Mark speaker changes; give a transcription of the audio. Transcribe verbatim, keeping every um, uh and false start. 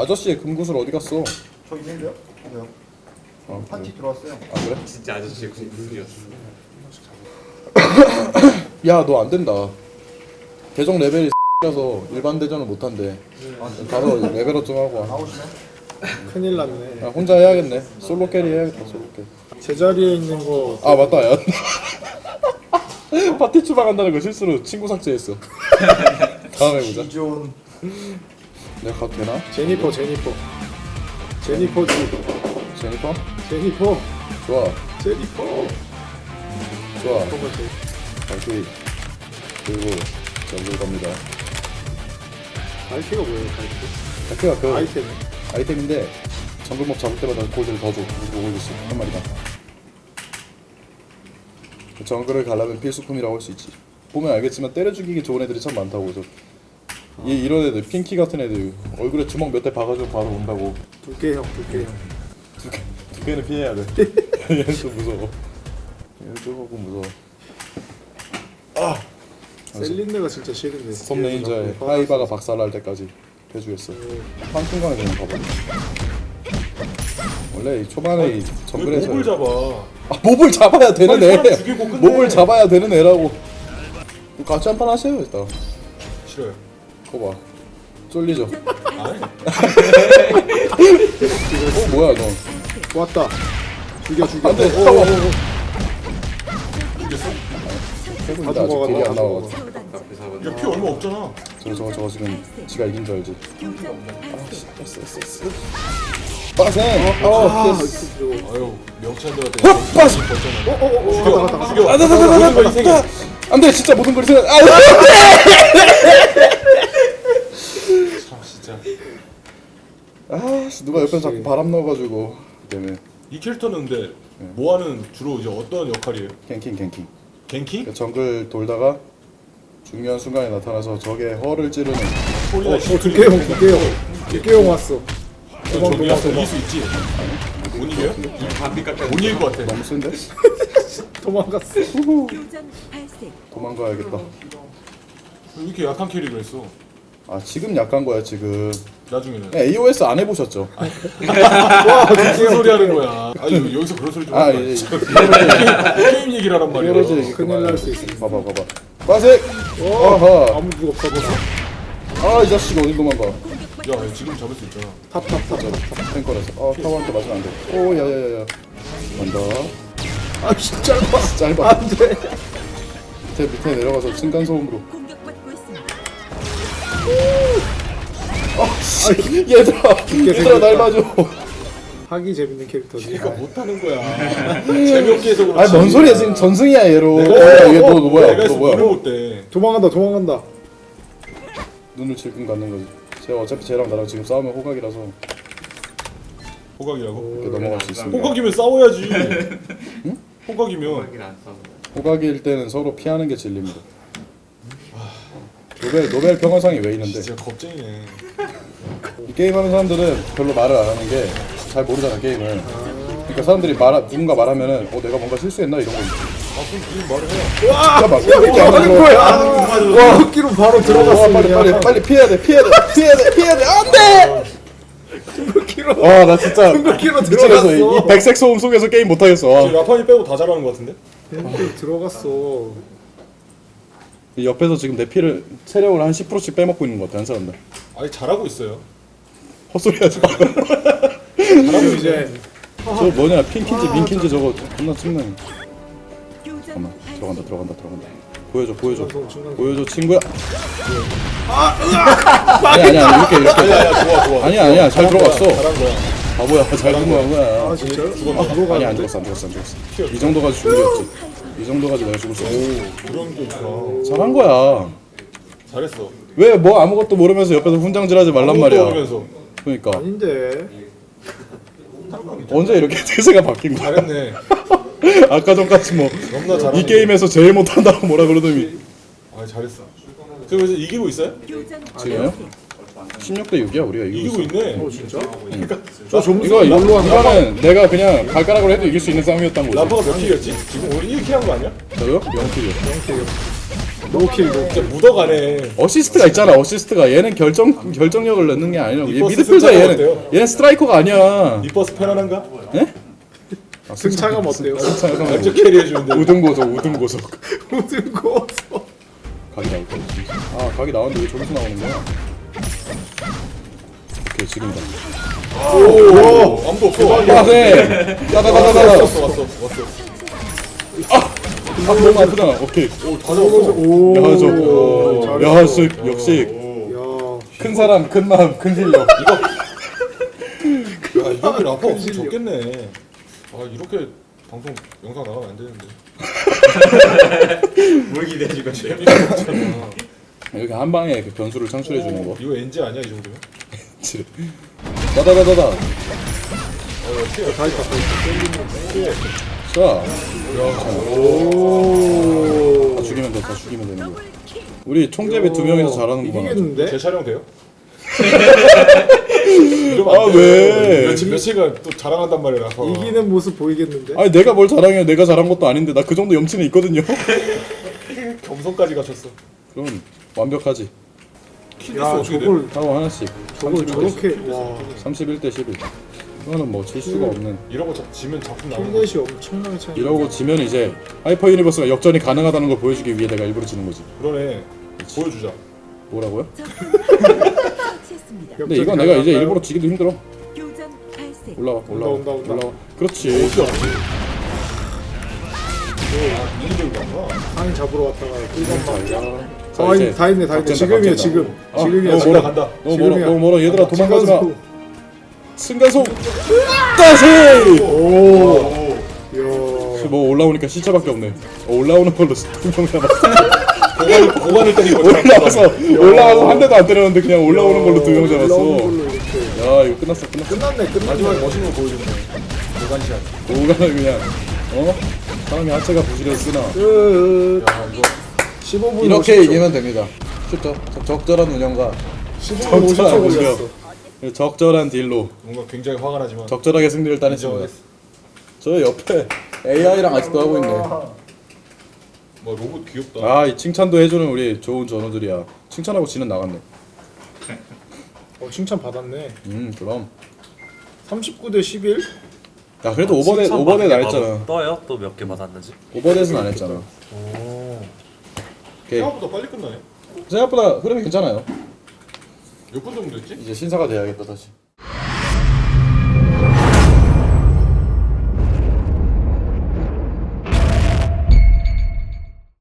Speaker 1: 아저씨의 금구슬 어디 갔어?
Speaker 2: 저기 있는데요? 왜요?
Speaker 1: 아,
Speaker 2: 파티 들어왔어요.
Speaker 1: 아 그래?
Speaker 3: 진짜 아저씨의 군인이었어.
Speaker 1: 야 너 안 된다. 계정 레벨이 라서 일반 대전을 못 한대. 가서 레벨업 좀 하고 와.
Speaker 2: 나오시네.
Speaker 4: 큰일 났네.
Speaker 1: 야, 혼자 해야겠네. 솔로 캐리 해야겠다. 솔로 캐리.
Speaker 4: 제자리에 있는 거
Speaker 1: 아 맞다 야. 파티 추방한다는 거 실수로 친구 삭제했어. 다음에 보자.
Speaker 2: 기존
Speaker 1: 내가 가도 되나?
Speaker 4: 제니퍼 제니퍼 제니퍼지
Speaker 1: 제니퍼?
Speaker 4: 제니퍼
Speaker 1: 좋아
Speaker 4: 제니퍼
Speaker 1: 좋아.
Speaker 4: 그거 제
Speaker 1: 발키 그리고 정글 갑니다.
Speaker 4: 발키가 뭐예요 발키?
Speaker 1: 발키가 그
Speaker 4: 아이템
Speaker 1: 아이템인데 정글몹 잡을 때마다 골드를 더 줘. 그리고 골드 있어 한 마리당. 그 정글을 가려면 필수품이라고 할 수 있지. 보면 알겠지만 때려 죽이기 좋은 애들이 참 많다고. 저 이 이런 애들 핑키 같은 애들 얼굴에 주먹 몇 대 박아주고 바로 온다고.
Speaker 4: 두께 형 두께 형
Speaker 1: 두 개, 두 개는 피해야 돼. 얘는 좀 무서워. 얘는 조금 무서워. 아!
Speaker 4: 셀린느가 진짜 싫은데
Speaker 1: 섬 레인저의 하이바가 박살날 때까지 해주겠어. 한 순간에 그냥 가봐. 원래 이 초반에 이 정글에서
Speaker 3: 몹을 잡아.
Speaker 1: 아, 몹을 잡아야 되는
Speaker 3: 빨리
Speaker 1: 애.
Speaker 3: 사람 죽이고 끝내.
Speaker 1: 몹을 잡아야 되는 애라고. 같이 한판 하세요 일단.
Speaker 3: 싫어요.
Speaker 1: 거 봐. 쫄리죠.
Speaker 3: 아니.
Speaker 1: 어 뭐야 너?
Speaker 4: 왔다 죽여 죽여
Speaker 1: 안돼.
Speaker 4: 오, 오,
Speaker 1: 타워.
Speaker 4: 오, 오.
Speaker 3: 죽였어?
Speaker 1: 해군인데
Speaker 4: 다
Speaker 1: 아직 딜이
Speaker 4: 죽어간다,
Speaker 1: 안
Speaker 4: 다
Speaker 1: 나와가지고.
Speaker 3: 야, 피 얼마 없잖아.
Speaker 1: 저거 저거 저거 지금 지가 이긴 줄 알지. 아씨 됐어 됐어 됐어. 빠생. 어
Speaker 4: 아
Speaker 1: 됐어.
Speaker 4: 이거
Speaker 3: 아유, 명찬들한테
Speaker 1: 어, 빠져.
Speaker 3: 벌잖아.
Speaker 4: 오오오
Speaker 3: 죽여,
Speaker 4: 갔다 갔다
Speaker 3: 죽여.
Speaker 1: 안돼 안돼
Speaker 3: 모든 걸
Speaker 1: 안돼
Speaker 3: 희생해.
Speaker 1: 안돼. 안돼 진짜 모든 걸 생각. 아
Speaker 3: 참 진짜.
Speaker 1: 아씨 누가 옆에서 자꾸 바람 넣어가지고 때문에
Speaker 3: 이 캐릭터는 근데 모아는 주로 이제 어떤 역할이에요?
Speaker 1: 갱킹 갱킹.
Speaker 3: 갱킹?
Speaker 1: 그 정글 돌다가 중요한 순간에 나타나서 적의 허를 찌르는.
Speaker 3: 소리나
Speaker 4: 어 두께 형 두께 형 두께 형 왔어 도망
Speaker 3: 저기야
Speaker 4: 도망
Speaker 3: 이길 수 있지. 못 이겨요? 못 이길 것 같아.
Speaker 1: 너무 센데?
Speaker 4: 도망갔어
Speaker 5: 교전 발생.
Speaker 1: 도망가야겠다.
Speaker 3: 왜 이렇게 약한 캐릭을 했어?
Speaker 1: 아 지금 약한 거야 지금.
Speaker 3: 나중에는.
Speaker 1: 에이오에스 안 해보셨죠?
Speaker 3: 무슨 소리 하는 거야? 아 여- 여기서 그런 소리 좀
Speaker 1: 아
Speaker 3: 하지
Speaker 1: 이제
Speaker 3: 마. 게임 얘기를 하란 말이야.
Speaker 1: 히어로즈
Speaker 4: 큰일 날 수 있어
Speaker 1: 봐봐 봐봐. 빠색.
Speaker 4: 와
Speaker 1: 아하.
Speaker 4: 아무 누가 없어
Speaker 1: 아 이 자식 어디 도망가?
Speaker 3: 야 지금 잡을 수 있잖아.
Speaker 4: 탑탑탑
Speaker 1: 탱커라서. 아 타워한테 맞으면 안 돼. 오 야야야야. 간다.
Speaker 4: 아 진짜 짧아
Speaker 1: 짧아.
Speaker 4: 안돼
Speaker 1: 밑에 밑에 내려가서 층간 소음으로.
Speaker 5: 공격받고 있습니다.
Speaker 1: 아씨 얘들아 얘들아 날 봐줘.
Speaker 4: 하기 재밌는 캐릭터지
Speaker 3: 얘가 못하는 거야. 재미없게 해서 그렇지.
Speaker 1: 아뭔 소리야 지금 전승이야 얘로.
Speaker 3: 내가-
Speaker 1: 야, 얘 너, 너 뭐야?
Speaker 3: 내가
Speaker 1: 너
Speaker 3: 했으면
Speaker 1: 뭐야?
Speaker 3: 눈을 못 떼.
Speaker 4: 도망간다 도망간다
Speaker 1: 눈을 질끈 갖는 거지. 제가 어차피 쟤랑 나랑 지금 싸우면 호각이라서
Speaker 3: 호각이라고?
Speaker 1: 이렇게 넘어갈 수 있습니다.
Speaker 3: 호각이면 싸워야지. 호각이면
Speaker 1: 호각일 때는 서로 피하는 게 진리입니다. 노벨 노벨 평화상이 왜 있는데?
Speaker 3: 진짜 겁쟁이네.
Speaker 1: 이 게임하는 사람들은 별로 말을 안 하는 게 잘 모르잖아 게임을. 그러니까 사람들이 말 누군가 말하면은 어 내가 뭔가 실수했나 이런 거.
Speaker 3: 아 그럼 무슨 말을 해?
Speaker 1: 잠깐만 이렇게 안
Speaker 4: 하는
Speaker 1: 들어.
Speaker 4: 거야 와 흑기로 바로 들어갔어
Speaker 1: 와 빨리 빨리 빨리 피해야 돼 피해야 돼 피해야 돼 피해야 돼 안돼.
Speaker 4: 흑기로
Speaker 1: 와나 진짜
Speaker 4: 흑기로
Speaker 1: 미치겠어.
Speaker 4: 들어갔어
Speaker 1: 이 백색 소음 속에서 게임 못 하겠어.
Speaker 3: 지금 라판이 빼고 다 잘하는 것 같은데?
Speaker 4: 흑기로 들어갔어
Speaker 1: 이 옆에서 지금 내 피를 체력을 한 십 퍼센트씩 빼먹고 있는 것 같아 한 사람들.
Speaker 3: 아니 잘하고 있어요.
Speaker 1: 헛소리하지 마.
Speaker 3: 잘하고
Speaker 4: 이제
Speaker 3: 이제
Speaker 1: 저 뭐냐 핑키인지 민키인지 저거 존나 찍네.
Speaker 5: 교전
Speaker 1: 잠깐만
Speaker 5: 발생.
Speaker 1: 들어간다 들어간다 들어간다. 보여줘 보여줘
Speaker 4: 중간선, 중간선.
Speaker 1: 보여줘 친구야. 아니 아니 아니 이렇게 이렇게.
Speaker 3: 아니야 아니야 좋아 좋아.
Speaker 1: 아니야 아니야 잘
Speaker 3: 잘한 거야,
Speaker 1: 들어갔어.
Speaker 3: 잘한 거야.
Speaker 1: 바보야 잘 들어간 거야.
Speaker 4: 아 진짜요?
Speaker 1: 아, 아니 안 죽었어 안 죽었어 안 죽었어. 이 정도 가지고 죽은 게 없지. 이 정도 가지고 내가 죽을 수 없어.
Speaker 3: 그런 게 있구나.
Speaker 1: 잘한 거야.
Speaker 3: 잘했어.
Speaker 1: 왜 뭐 아무것도 모르면서 옆에서 훈장질하지 말란
Speaker 3: 아무것도
Speaker 1: 말이야.
Speaker 3: 모르면서.
Speaker 1: 그러니까
Speaker 4: 아닌데
Speaker 1: 언제 이렇게 태세가 바뀐 거야?
Speaker 3: 잘했네.
Speaker 1: 아까 전까지 뭐
Speaker 3: 너무나 잘하는
Speaker 1: 이 게임에서 제일 못한다고 뭐라 그러더니
Speaker 3: 아 잘했어. 그래서 이기고 있어요?
Speaker 5: 교전
Speaker 1: 지금요? 십육 대 육이야 우리가 이기고
Speaker 3: 이기고
Speaker 1: 있어.
Speaker 3: 있네.
Speaker 4: 어 진짜?
Speaker 3: 저
Speaker 4: 점수
Speaker 1: 이거 이거
Speaker 4: 뭘로 한다?
Speaker 1: 이거는 내가 그냥 발가락으로 해도 이길 수 있는 싸움이었던 거지.
Speaker 3: 라파가 몇 킬이었지? 지금 우리 일 킬 한 거 아니야?
Speaker 1: 저요? 영 킬이요.
Speaker 4: 노킬 노.
Speaker 3: 진짜 묻어가네.
Speaker 1: 어시스트가 있잖아. 어시스트가 얘는 결정 결정력을 넣는 게 아니라고. 얘
Speaker 3: 리버스
Speaker 1: 미드필더야
Speaker 3: 승차감
Speaker 1: 얘는.
Speaker 3: 어때요?
Speaker 1: 얘는 스트라이커가 아니야.
Speaker 3: 이버스 편안한가?
Speaker 1: 예? 아,
Speaker 4: 승차감 어때요?
Speaker 1: 승차감
Speaker 3: 완전 캐리해주는데.
Speaker 1: 우등고속 우등고속.
Speaker 4: 무슨 거서.
Speaker 1: 각이 나올 거야. 아 각이 나왔는데 왜 저기서 나오는 거야? 오케이 지금이다.
Speaker 3: 오, 아무도 없어.
Speaker 1: 야세. 야다다다다.
Speaker 3: 왔어, 왔어, 왔어.
Speaker 1: 아 너무 아프잖아. 오케이.
Speaker 3: 오, 다 잡았어.
Speaker 4: 오.
Speaker 1: 야 저. 야 씨, 역시
Speaker 4: 야.
Speaker 1: 큰 사람 큰 마음 큰 실력.
Speaker 3: 야, 이병민 아파 없으면 좋겠네. 아, 이렇게 방송 영상 나가면 안 되는데.
Speaker 2: 뭘 기대해줄 건데?
Speaker 3: 재미가 없잖아.
Speaker 1: 이렇게 한 방에 그 변수를 창출해 주는 거.
Speaker 3: 이거 엔지 아니야, 이 정도면?
Speaker 1: 다다다다다.
Speaker 3: 어, 야, 피해.
Speaker 4: 다 있다 다 있다.
Speaker 3: 피해.
Speaker 1: 자,
Speaker 4: 오.
Speaker 1: 다 죽이면 돼. 다 죽이면 되는 거. 우리 총재배 두 명이서 잘하는구만.
Speaker 4: 이기겠는데?
Speaker 3: 제 촬영 돼요?
Speaker 1: 아 왜?
Speaker 3: 며칠 며칠간 또 자랑한단 말이야. 나서.
Speaker 4: 이기는 모습 보이겠는데?
Speaker 1: 아니 내가 뭘 자랑해? 내가 잘한 것도 아닌데 나 그 정도 염치는 있거든요.
Speaker 3: 겸손까지 갖췄어.
Speaker 1: 그럼 완벽하지.
Speaker 3: 킬리스
Speaker 4: 야
Speaker 3: 어떻게 돼?
Speaker 4: 저걸
Speaker 1: 하고 하나씩.
Speaker 4: 저걸
Speaker 1: 삼십일 대
Speaker 4: 저렇게 와.
Speaker 1: 삼십일 대 십일. 이거는 뭐 질 수가 없는.
Speaker 3: 이러고 자, 지면 작품 나오는 거.
Speaker 4: 킬넷이 엄청나게 차이.
Speaker 1: 이러고 지면 이제 하이퍼 유니버스가 역전이 가능하다는 걸 보여주기 위해 내가 일부러 지는 거지.
Speaker 3: 그러네. 보여주자.
Speaker 1: 뭐라고요?
Speaker 5: 처치했습니다.
Speaker 1: 근데 이건 내가 이제 일부러 지기도 힘들어.
Speaker 5: 교전 발생.
Speaker 1: 올라와 올라와
Speaker 4: 온다, 온다, 온다.
Speaker 1: 올라와. 그렇지.
Speaker 3: 어디 없지? 아, 이기들 가구나.
Speaker 4: 상인 잡으러 왔다가 끌고
Speaker 1: 자,
Speaker 4: 아,
Speaker 1: 자, 이제
Speaker 4: 다 있네, 다 있네.
Speaker 1: 각진다,
Speaker 4: 지금이야,
Speaker 1: 각진다.
Speaker 4: 지금.
Speaker 1: 아,
Speaker 4: 지금이야,
Speaker 1: 어,
Speaker 4: 지금.
Speaker 1: 뭐라
Speaker 3: 간다.
Speaker 1: 너무 멀어
Speaker 4: 지금이야.
Speaker 1: 너무 멀어 얘들아 도망가지 마.
Speaker 4: 지금.
Speaker 1: 승가속 다시.
Speaker 4: 오.
Speaker 3: 오.
Speaker 4: 이야.
Speaker 1: 뭐 올라오니까 시차밖에 없네. 어, 올라오는 걸로 두명 잡았어.
Speaker 3: 고관을, 고관을 때리고
Speaker 1: 올라와서 올라와서 한 대도 안 때렸는데 그냥 올라오는 걸로 두 명
Speaker 4: 올라오는
Speaker 1: 잡았어.
Speaker 4: 걸로 이렇게.
Speaker 1: 야 이거 끝났어 끝났어.
Speaker 4: 끝났네, 끝났네.
Speaker 3: 마지막에 멋있는 거 보여주네. 고관샷.
Speaker 1: 오가는 그냥 어 사람이 하체가 부실했으나
Speaker 4: 끝.
Speaker 3: 야, 이거
Speaker 4: 십오 분
Speaker 1: 이렇게
Speaker 4: 오십 초.
Speaker 1: 이기면 됩니다. 쉽죠. 적- 적절한 운영과
Speaker 4: 십오 분 오십 초
Speaker 1: 적절한
Speaker 4: 걸렸어.
Speaker 1: 운영, 적절한 딜로
Speaker 3: 뭔가 굉장히 화가 나지만.
Speaker 1: 적절하게 승리를 따냈습니다. 저 옆에 에이아이랑 아직도 하고 있네.
Speaker 3: 뭐 로봇 귀엽다.
Speaker 1: 아 이 칭찬도 해주는 우리 좋은 전우들이야. 칭찬하고 지는 나갔네.
Speaker 4: 어, 칭찬 받았네.
Speaker 1: 음 그럼.
Speaker 4: 삼십구 대 십일?
Speaker 1: 야 그래도 오버데 오버데 나 했잖아.
Speaker 2: 떠요? 또 몇 개 받았는지?
Speaker 1: 오버데스는 안 했잖아.
Speaker 3: 오.
Speaker 1: 오케이.
Speaker 3: 생각보다 빨리 끝나네.
Speaker 1: 생각보다 흐름이 괜찮아요.
Speaker 3: 몇 분 정도 됐지?
Speaker 1: 이제 신사가 돼야겠다 다시.